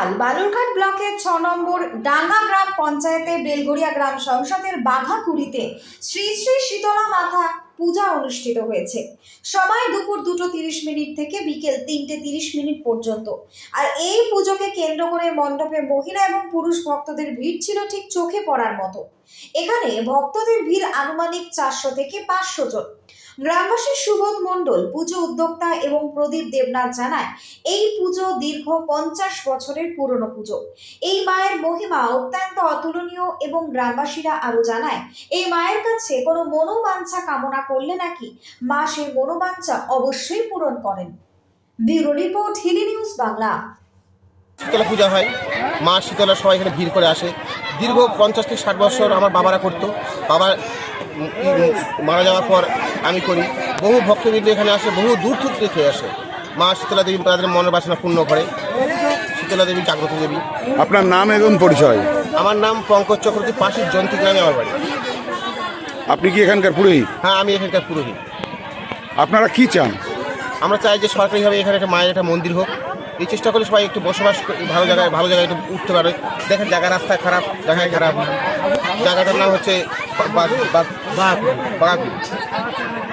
বালুরঘাট ব্লকের 6 নম্বর ডাঙ্গা গ্রাম পঞ্চায়েতে বেলগড়িয়া গ্রাম সংসদের বাঘাকুড়িতে শ্রী শ্রী শীতলা মাতা পূজা অনুষ্ঠিত হয়েছে। সময় দুপুর 2:30 থেকে বিকেল 3:30 পর্যন্ত। আর এই পুজোকে কেন্দ্র করে মণ্ডপে মহিলা এবং পুরুষ ভক্তদের ভিড় ছিল ঠিক চোখে পড়ার মতো। এখানে ভক্তদের ভিড় আনুমানিক 400 থেকে 500 জন। গ্রামবাসী সুবোধ মণ্ডল, পুজো উদ্যোক্তা এবং প্রদীপ দেবনাথ জানায়, এই পুজো দীর্ঘ 50 বছরের পুরনো পুজো। এই মায়ের মহিমা অত্যন্ত অতুলনীয় এবং গ্রামবাসীরা আরো জানায়, এই মায়ের কাছে কোনো মনোবাঞ্ছা কামনা করলে নাকি মা সেই মনোবাঞ্ছা অবশ্যই পূরণ করেন। Bureau report, Hili news Bangla. Shitala Puja হয়, মা শীতলা সবাই এখানে ভিড় করে আসে। দীর্ঘ 50 থেকে 60 বছর আমার বাবারা করতো। বাবা মারা যাওয়ার পর আমি করি। বহু ভক্তবৃন্দ এখানে আসে, বহু দূর থেকে আসে। মা শীতলা দেবী তাদের মনের বাসনা পূর্ণ করে। শীতলা দেবী জাগ্রত দেবী। আপনার নাম এবং পরিচয়? আমার নাম পঙ্কজ চক্রবর্তী, পাশের জয়ন্তী গ্রামে আমার বাড়ি। আপনি কি এখানকার পুরোহিত? হ্যাঁ, আমি এখানকার পুরোহিত। আপনারা কি চান? আমরা চাই যে সরকারিভাবে এখানে একটা মায়ের একটা মন্দির হোক। এই চেষ্টা করলে সবাই একটু বসবাস ভালো জায়গায় একটু উঠতে পারে। দেখেন জায়গা রাস্তা খারাপ, জায়গায় খারাপ। জায়গাটার নাম হচ্ছে বাঘাকুড়ি।